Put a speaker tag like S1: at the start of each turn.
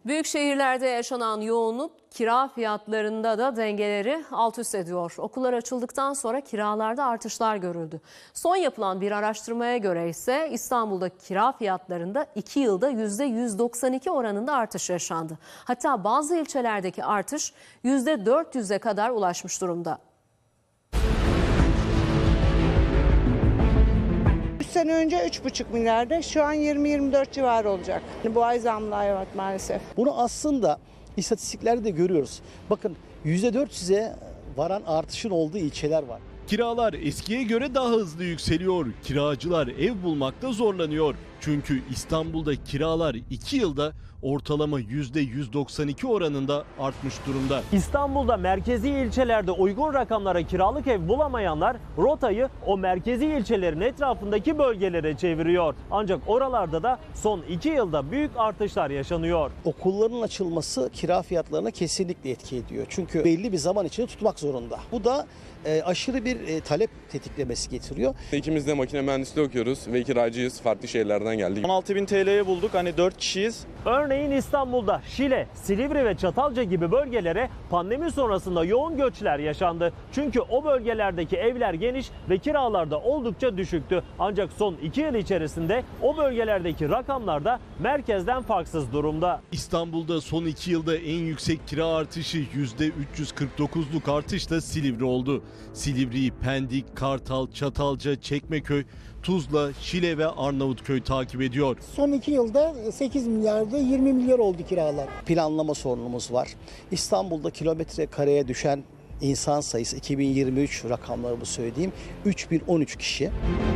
S1: Büyük şehirlerde yaşanan yoğunluk kira fiyatlarında da dengeleri alt üst ediyor. Okullar açıldıktan sonra kiralarda artışlar görüldü. Son yapılan bir araştırmaya göre ise İstanbul'da kira fiyatlarında 2 yılda %192 oranında artış yaşandı. Hatta bazı ilçelerdeki artış %400'e kadar ulaşmış durumda.
S2: 3 sene önce 3,5 milyardı. Şu an 20-24 civarı olacak. Bu ay zamlı evet maalesef.
S3: Bunu aslında istatistiklerde de görüyoruz. Bakın %400'e varan artışın olduğu ilçeler var.
S4: Kiralar eskiye göre daha hızlı yükseliyor. Kiracılar ev bulmakta zorlanıyor. Çünkü İstanbul'da kiralar 2 yılda ortalama %192 oranında artmış durumda.
S5: İstanbul'da merkezi ilçelerde uygun rakamlara kiralık ev bulamayanlar rotayı o merkezi ilçelerin etrafındaki bölgelere çeviriyor. Ancak oralarda da son 2 yılda büyük artışlar yaşanıyor.
S3: Okulların açılması kira fiyatlarına kesinlikle etki ediyor. Çünkü belli bir zaman içinde tutmak zorunda. Bu da aşırı bir talep tetiklemesi getiriyor.
S6: İkimiz de makine mühendisliği okuyoruz ve kiracıyız. Farklı şehirlerden geldik.
S7: 16.000 TL'ye bulduk. Hani 4 kişiyiz.
S5: Örneğin İstanbul'da Şile, Silivri ve Çatalca gibi bölgelere pandemi sonrasında yoğun göçler yaşandı. Çünkü o bölgelerdeki evler geniş ve kiralar da oldukça düşüktü. Ancak son 2 yıl içerisinde o bölgelerdeki rakamlar da merkezden farksız durumda.
S4: İstanbul'da son 2 yılda en yüksek kira artışı %349'luk artışla Silivri oldu. Silivri'yi Pendik, Kartal, Çatalca, Çekmeköy, Tuzla, Şile ve Arnavutköy takip ediyor.
S8: Son 2 yılda 8 milyarda 20 milyar oldu kiralar.
S3: Planlama sorunumuz var. İstanbul'da kilometre kareye düşen insan sayısı 2023 rakamlarımı söyleyeyim 3013 kişi.